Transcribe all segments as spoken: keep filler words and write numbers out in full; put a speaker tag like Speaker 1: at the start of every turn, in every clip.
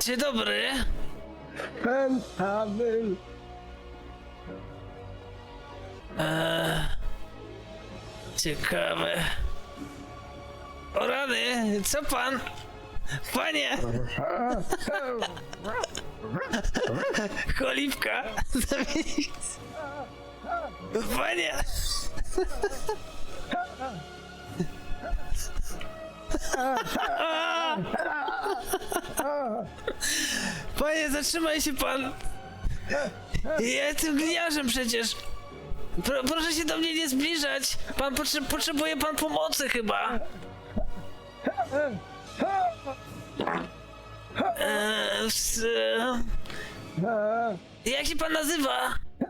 Speaker 1: Dzień dobry.
Speaker 2: Fentanyl.
Speaker 1: Eee, ciekawe. O rany, co pan? Panie! Cholipka! Panie! Panie, zatrzymaj się pan! Ja jestem gliniarzem przecież! Pro, proszę się do mnie nie zbliżać! Pan potrze potrzebuje pan pomocy chyba! Eee, s, e, jak się pan nazywa?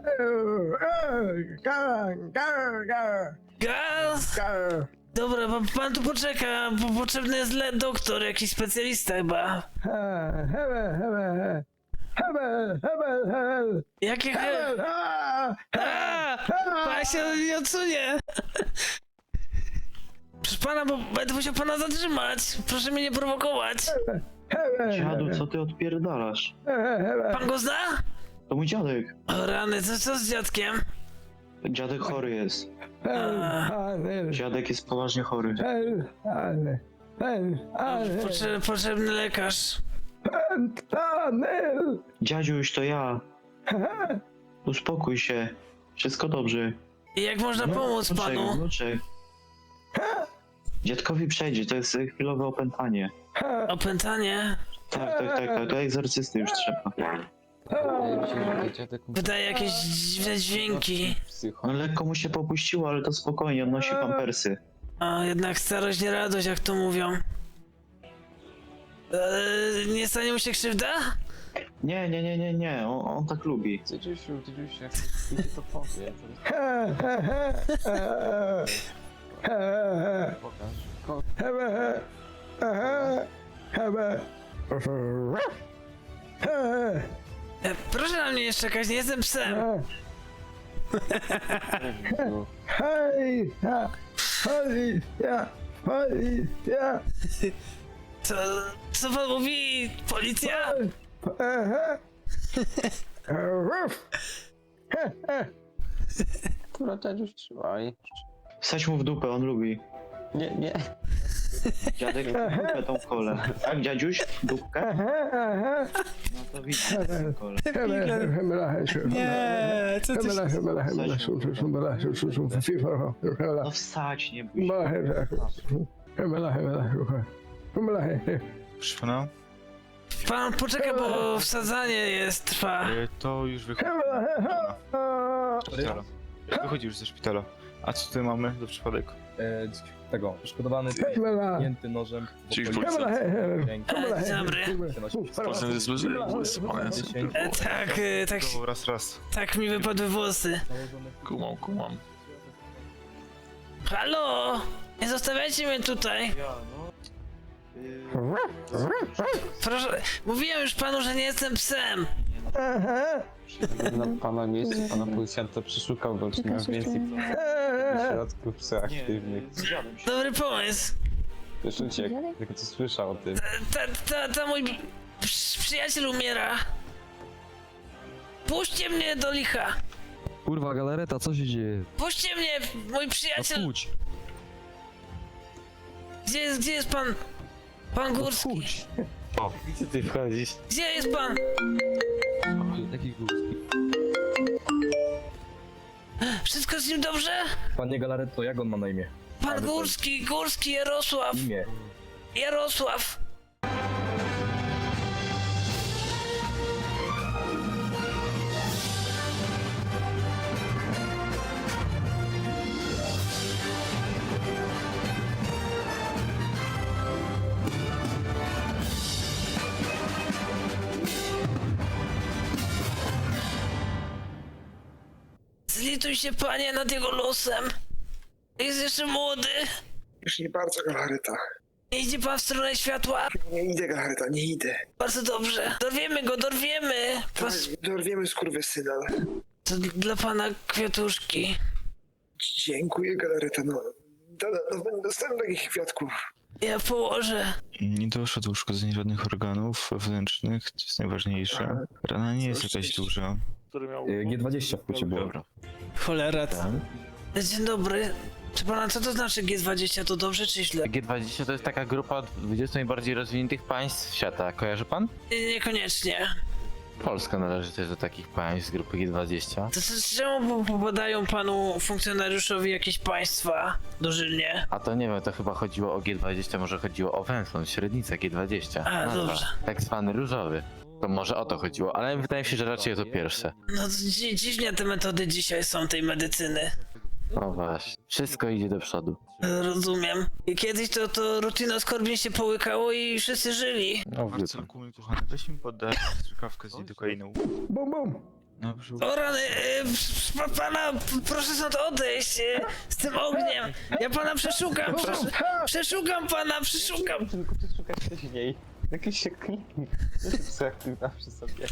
Speaker 1: Gaz? Dobra, pan, pan tu poczeka, bo potrzebny jest le doktor, jakiś specjalista chyba. Jakie he... A, pan się nie odsunie. Proszę pana, bo będę musiał pana zatrzymać. Proszę mnie nie prowokować.
Speaker 3: Dziadu, co ty odpierdalasz?
Speaker 1: Pan go zna?
Speaker 3: To mój dziadek.
Speaker 1: O rany, co, co z dziadkiem?
Speaker 3: Dziadek chory jest.
Speaker 1: A,
Speaker 3: Dziadek jest poważnie chory.
Speaker 1: potrze potrzebny lekarz.
Speaker 2: Fentanyl.
Speaker 3: Dziadziuś, to ja. Uspokój się. Wszystko dobrze.
Speaker 1: I jak można pomóc
Speaker 3: Wnuczek,
Speaker 1: panu?
Speaker 3: wnuczek. Dziadkowi przejdzie, to jest chwilowe opętanie.
Speaker 1: Opętanie?
Speaker 3: Tak, tak, tak, tak, to egzorcysty już trzeba.
Speaker 4: Wydaje mi się, że dziadek musi...
Speaker 1: Wydaje jakieś dziwne dźwięki.
Speaker 4: Psycho.
Speaker 3: No lekko mu się popuściło, ale to spokojnie, on nosi pampersy.
Speaker 1: A jednak starość nie radość, jak to mówią. Eee, nie stanie mu się krzywda?
Speaker 3: Nie, nie, nie, nie, nie, on, on tak lubi.
Speaker 4: Tydziusiu, Tydziusiu, jak ty to powie, to pokaż. Ko-
Speaker 1: E, proszę na mnie nie czekać, nie jestem psem.
Speaker 4: No,
Speaker 2: Hej, policja, policja.
Speaker 1: Co, co pan mówi? Policja?
Speaker 4: Dobra, Tydziuś, trzymaj.
Speaker 3: Wsadź mu w dupę, on lubi.
Speaker 4: Nie, nie.
Speaker 3: Dziadek w dupę tą kolę. Tak, dziadziuś? Dupkę? No to widzisz, tą kolę.
Speaker 1: Nie, co ty się...
Speaker 3: No wsadź, nie bój się.
Speaker 5: Proszę pana,
Speaker 1: Pan poczeka, bo wsadzanie jest, trwa.
Speaker 5: e, to już wychodzi ze szpitala. Wychodzi już ze szpitala. A co tutaj mamy do przypadek?
Speaker 6: E, tego, poszkodowany pięty nożem w
Speaker 5: Czyli
Speaker 6: okolicy ręki.
Speaker 1: E, dobry.
Speaker 5: Potem jest zły,
Speaker 1: E, tak, e, tak,
Speaker 5: raz, raz.
Speaker 1: tak mi wypadły włosy.
Speaker 5: Kumam, kumam.
Speaker 1: Halo! Nie zostawiajcie mnie tutaj. Proszę, mówiłem już panu, że nie jestem psem.
Speaker 4: Na pana miejscu, pana policjanta przeszukał go, czy miał więcej środków psychoaktywnych.
Speaker 1: Dobry pomysł.
Speaker 4: Też uciekł, tylko co słyszał o tym.
Speaker 1: Ta, ta, ta mój przy- przyjaciel umiera. Puśćcie mnie do licha.
Speaker 7: Kurwa, galareta, co się dzieje?
Speaker 1: Puśćcie mnie, mój
Speaker 7: No
Speaker 1: przyjaciel.
Speaker 7: wchódź,
Speaker 1: Gdzie jest, gdzie jest pan? Pan Górski.
Speaker 7: wchódź.
Speaker 4: Gdzie ty wchodzisz?
Speaker 1: Gdzie jest pan?
Speaker 7: Taki górski.
Speaker 1: Wszystko z nim dobrze?
Speaker 6: Panie Galaretto, jak on ma na imię?
Speaker 1: Pan Górski, Górski Jarosław.
Speaker 6: Imię.
Speaker 1: Jarosław. Zlituj się, panie, nad jego losem. Jest jeszcze młody.
Speaker 8: Już nie bardzo, Galareta.
Speaker 1: Nie idzie pan w stronę światła?
Speaker 8: Nie idę, Galareta, nie idę.
Speaker 1: Bardzo dobrze. Dorwiemy go, dorwiemy. Pas...
Speaker 8: Dorwiemy skurwysyna.
Speaker 1: To dla pana kwiatuszki.
Speaker 8: Dziękuję, Galareta, no. Do, do, do, dostałem takich kwiatków.
Speaker 1: Ja położę.
Speaker 5: Nie doszło do uszkodzeń żadnych organów wewnętrznych, to jest najważniejsze. Rana nie jest jakaś duża.
Speaker 6: Y, G dwadzieścia w płycie było.
Speaker 5: Dobra.
Speaker 1: Cholera. Dzień dobry. Czy pana co to znaczy G dwadzieścia? To dobrze czy źle?
Speaker 9: G dwadzieścia to jest taka grupa dwudziestu najbardziej rozwiniętych państw świata. Kojarzy pan?
Speaker 1: Nie- Niekoniecznie.
Speaker 9: Polska należy też do takich państw z grupy G dwadzieścia.
Speaker 1: To, to czemu popadają panu funkcjonariuszowi jakieś państwa dożylnie?
Speaker 9: A to nie wiem, to chyba chodziło o G dwadzieścia, może chodziło o Węflon, średnicę G dwadzieścia.
Speaker 1: A,
Speaker 9: Nazwa.
Speaker 1: dobrze.
Speaker 9: Tak zwany różowy. To może o to chodziło, ale wydaje mi się, że raczej to pierwsze.
Speaker 1: No to dzi dziwnie te metody dzisiaj są tej medycyny.
Speaker 9: No właśnie. Wszystko idzie do przodu.
Speaker 1: Rozumiem. I kiedyś to, to rutinoskorbin się połykało i wszyscy żyli.
Speaker 9: No wie pan.
Speaker 5: Marcelku, mój kochany, weź mi podać strzykawkę z lidokainą.
Speaker 2: Bum, bum.
Speaker 5: Na brzuch.
Speaker 1: O rany, e, pr- pr- pana, p- proszę stąd odejść e, z tym ogniem. Ja pana przeszukam, przesz przeszukam pana, przeszukam.
Speaker 4: Tylko przeszukać wcześniej. Jakiś się kliknie. Psychoaktywna przy sobie.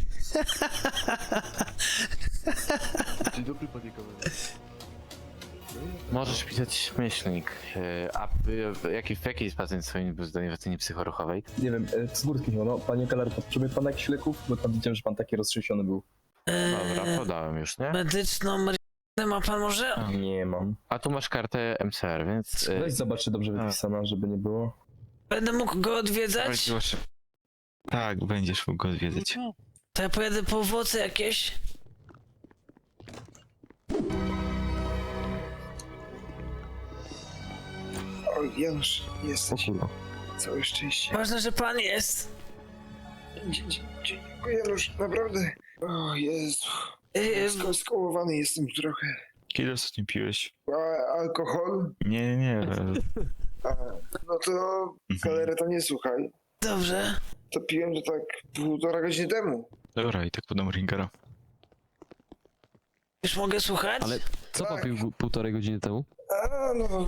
Speaker 7: Dzień dobry, panie kamerze.
Speaker 9: Możesz pisać myślnik. Yy, A wy- w jaki, w jakiej jest pacjent swoim był zdolny w ocenie psychoruchowej?
Speaker 6: Nie wiem, y, z górskich, no, no panie Galareta, potrzebuje pan jakichś leków? Bo tam widziałem, że pan taki roztrzęsiony był.
Speaker 9: Dobra,
Speaker 1: E,
Speaker 9: podałem już, nie?
Speaker 1: medyczną marihuanę ma pan może?
Speaker 6: Nie mam.
Speaker 9: A tu masz kartę M C R, więc... yy,
Speaker 6: Weź zobacz, czy dobrze wypisana, żeby nie było.
Speaker 1: Będę mógł go odwiedzać?
Speaker 5: Proszę. Tak, będziesz mógł go odwiedzać.
Speaker 1: To ja pojadę po owoce jakieś.
Speaker 8: O, Janusz,
Speaker 4: O
Speaker 8: jesteś.
Speaker 4: kurwa.
Speaker 8: Całe szczęście.
Speaker 1: Ważne, że pan jest.
Speaker 8: Dzie- dzie- Dziękuję, Janusz, naprawdę. O Jezu.
Speaker 1: E,
Speaker 8: Sko skołowany jestem trochę.
Speaker 5: Kiedy ostatnio piłeś?
Speaker 8: A alkohol?
Speaker 5: Nie, nie, nie.
Speaker 8: A, no to galereta nie słuchaj.
Speaker 1: dobrze.
Speaker 8: To piłem to tak półtora godziny temu.
Speaker 5: Dobra, i tak podam ringera.
Speaker 1: Już mogę słuchać?
Speaker 7: Ale co pan pił półtorej godziny temu?
Speaker 8: A no.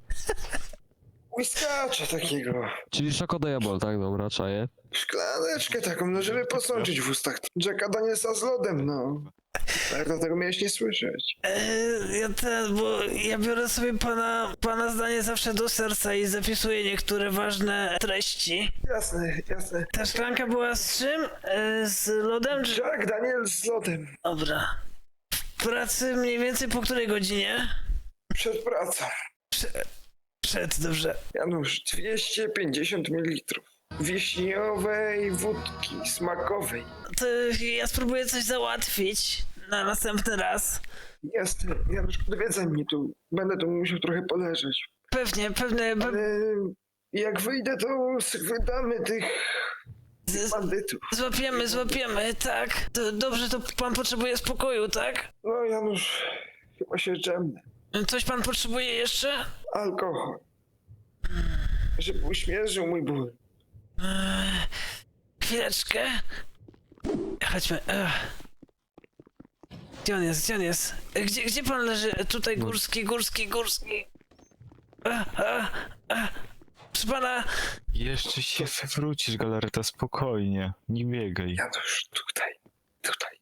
Speaker 8: Whiskacza takiego.
Speaker 7: Czyli szokodajabol, tak? Dobra, czaję.
Speaker 8: Szklaneczkę taką, no żeby posączyć w ustach. Jacka Danielsa z lodem, no. Tak, dlatego miałeś nie słyszeć.
Speaker 1: E, ja ten, bo ja biorę sobie pana, pana zdanie zawsze do serca i zapisuję niektóre ważne treści.
Speaker 8: Jasne, jasne.
Speaker 1: Ta szklanka była z czym? E, z lodem? Czy...
Speaker 8: Jack Daniels z lodem.
Speaker 1: Dobra. W pracy mniej więcej po której godzinie?
Speaker 8: Przed pracą.
Speaker 1: Przed, dobrze.
Speaker 8: Janusz, dwieście pięćdziesiąt mililitrów. Wiśniowej wódki smakowej.
Speaker 1: To ja spróbuję coś załatwić na następny raz.
Speaker 8: Jasne, Janusz, odwiedzaj mnie tu. Będę tu musiał trochę poleżeć.
Speaker 1: Pewnie, pewnie. Pe...
Speaker 8: Ale jak wyjdę, to wydamy tych
Speaker 1: z-
Speaker 8: bandytów.
Speaker 1: Złapiemy, złapiemy, tak. To dobrze, to pan potrzebuje spokoju, tak?
Speaker 8: No, Janusz, chyba się dżemnę.
Speaker 1: Coś pan potrzebuje jeszcze?
Speaker 8: Alkohol. Żeby uśmierzył mój ból.
Speaker 1: Eee, chwileczkę. Chodźmy. Ech. Gdzie on jest? Gdzie on jest? Gdzie, gdzie pan leży? Tutaj Górski, Górski, Górski. Ech, ech, ech. Proszę pana,
Speaker 5: Jeszcze się wywrócisz, galareta, spokojnie. Nie biegaj.
Speaker 8: Janusz, tutaj, tutaj.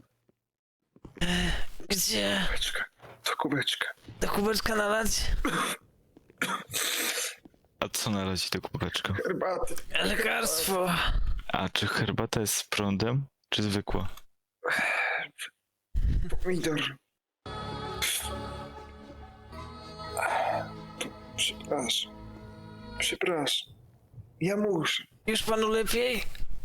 Speaker 1: gdzie?
Speaker 8: Kubeczka, to kubeczka.
Speaker 1: Do kubeczka nalać?
Speaker 5: A co nalać do kubeczka?
Speaker 8: Herbaty.
Speaker 1: Lekarstwo.
Speaker 5: A czy herbata jest z prądem, czy zwykła?
Speaker 8: Pomidor. Przepraszam. Przepraszam. Ja muszę.
Speaker 1: Już panu lepiej?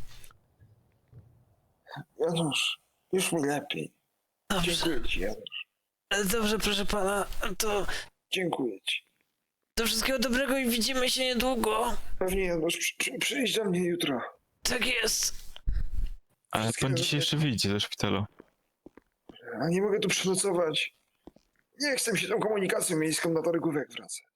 Speaker 8: Janusz, już mi lepiej.
Speaker 1: Dobrze.
Speaker 8: Dziękuję ci, Janusz.
Speaker 1: Dobrze, proszę pana. To,
Speaker 8: Dziękuję ci.
Speaker 1: to wszystkiego dobrego i widzimy się niedługo.
Speaker 8: Pewnie, Janusz, przy, przy, przyjdź do mnie jutro.
Speaker 1: Tak jest.
Speaker 5: Ale pan dzisiaj jeszcze wyjdzie do szpitala.
Speaker 8: A nie mogę tu przenocować. Nie chcę mi się tą komunikacją miejską na targówek wracać.